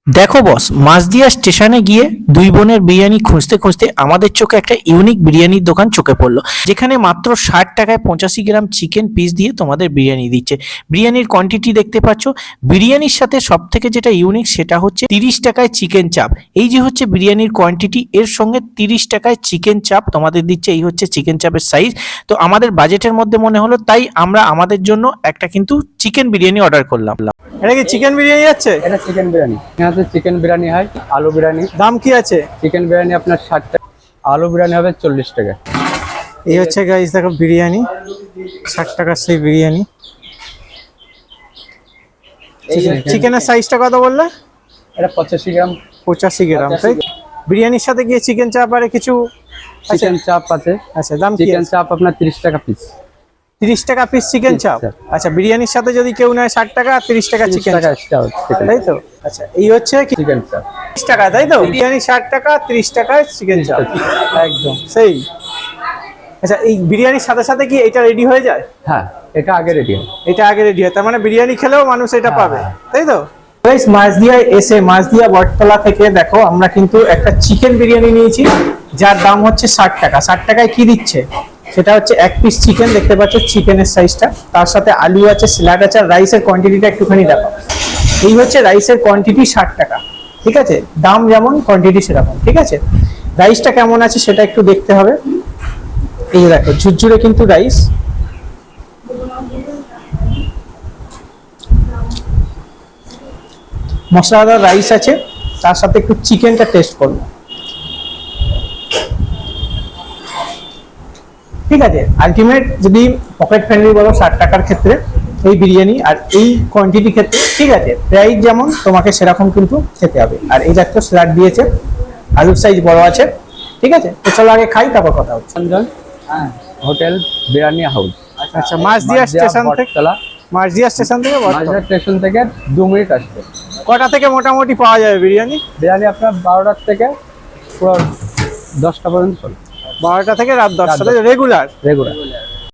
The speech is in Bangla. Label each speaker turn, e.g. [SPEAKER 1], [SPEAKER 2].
[SPEAKER 1] দেখো বস, মাঝদিয়া স্টেশনে গিয়ে দুই বোনের বিরিয়ানি খুঁজতে খুঁজতে আমাদের চোখে একটা ইউনিক বিরিয়ানির দোকান চোখে পড়লো, যেখানে মাত্র 60 টাকায় 85 গ্রাম চিকেন পিস দিয়ে তোমাদের বিরিয়ানি দিচ্ছে। বিরিয়ানির কোয়ান্টিটি দেখতে পাচ্ছ। বিরিয়ানির সাথে সব থেকে যেটা ইউনিক সেটা হচ্ছে 30 টাকায় চিকেন চাপ। এই যে হচ্ছে বিরিয়ানির কোয়ান্টিটি, এর সঙ্গে 30 টাকায় চিকেন চাপ তোমাদের দিচ্ছে। এই হচ্ছে চিকেন চাপের সাইজ। তো আমাদের বাজেটের মধ্যে মনে হলো, তাই আমরা আমাদের জন্য একটা কিন্তু চিকেন বিরিয়ানি অর্ডার করলাম।
[SPEAKER 2] এটা কি চিকেন বিরিয়ানি আছে?
[SPEAKER 3] এটা চিকেন বিরিয়ানি। এখানে চিকেন বিরিয়ানি হয়, আলু বিরিয়ানি।
[SPEAKER 2] দাম কি আছে?
[SPEAKER 3] চিকেন বিরিয়ানি আপনার 60 টাকা, আলু বিরিয়ানি হবে 40 টাকা।
[SPEAKER 2] এই হচ্ছে গাইস, দেখো বিরিয়ানি 60 টাকার সেই বিরিয়ানি। চিকেনের সাইজটা কত বললে?
[SPEAKER 3] এটা 85 গ্রাম।
[SPEAKER 2] 85 গ্রাম, তাই? বিরিয়ানির সাথে গিয়ে চিকেন চাপ আর কিছু
[SPEAKER 3] চিকেন চাপ আছে।
[SPEAKER 2] আচ্ছা, দাম কি?
[SPEAKER 3] চিকেন চাপ আপনার 30 টাকা পিস।
[SPEAKER 2] 30 টাকা পিস চিকেন চাপ। আচ্ছা, বিরিয়ানির সাথে যদি কেউ নেয় 60 টাকা আর 30 টাকা চিকেন চাপ, তাই তো? আচ্ছা, এই হচ্ছে
[SPEAKER 3] চিকেন চাপ
[SPEAKER 2] 30 টাকা, তাই তো? বিরিয়ানি 60 টাকা, 30 টাকায় চিকেন চাপ, একদম সেই। আচ্ছা, এই বিরিয়ানির সাথে সাথে কি এটা রেডি হয়ে যায়?
[SPEAKER 3] হ্যাঁ, এটা আগে রেডি হয়।
[SPEAKER 2] এটা আগে রেডি হয়, তার মানে বিরিয়ানি খেলেও মানুষ এটা পাবে, তাই তো? গাইস, মাঝদিয়ায় এসে মাঝদিয়া বটতলা থেকে দেখো আমরা কিন্তু একটা চিকেন বিরিয়ানি নিয়েছি, যার দাম হচ্ছে 60 টাকা। 60 টাকায় কি দিচ্ছে সেটা হচ্ছে এক পিস চিকেন, দেখতে পাচ্ছ চিকেনের সাইজটা, তার সাথে আলু আছে, স্যালাড আছে, আর রাইসের কোয়ান্টিটিটা একটুখানি দেখো। এই হচ্ছে রাইসের কোয়ান্টিটি 60 টাকা, ঠিক আছে? দাম যেমন কোয়ান্টিটি সেরকম, ঠিক আছে? রাইসটা কেমন আছে সেটা একটু দেখতে হবে। এই যে দেখো, ঝুরঝুরে কিন্তু রাইস। মশলাদার রাইস আছে, তার সাথে একটু চিকেনটা টেস্ট করবো, ঠিক আছে? আলটিমেট যদি পকেট ফ্রেন্ডলি বলো 60 টাকার ক্ষেত্রে এই বিরিয়ানি আর এই কোয়ান্টিটি ক্ষেত্রে, ঠিক আছে, প্রাইস যেমন তোমাকে সেরকম কিন্তু খেতে হবে। আর এই দেখো স্যালাড দিয়েছে, আলুর সাইজ বড় আছে, ঠিক আছে? তো চলো আগে খাই, তারপর কথা হচ্ছে।
[SPEAKER 3] Hotel biryani house.
[SPEAKER 2] আচ্ছা, মাঝদিয়া স্টেশন থেকে, মাঝদিয়া স্টেশন থেকে
[SPEAKER 3] মাঝদিয়া স্টেশন থেকে 2 মিনিট আসবে।
[SPEAKER 2] কটা থেকে মোটামুটি পাওয়া যাবে বিরিয়ানি?
[SPEAKER 3] বিরিয়ানি আপনার 12টা থেকে পুরো 10টা পর্যন্ত চলে।
[SPEAKER 2] 12টা থেকে রাত 10টা, রেগুলার?
[SPEAKER 3] রেগুলার।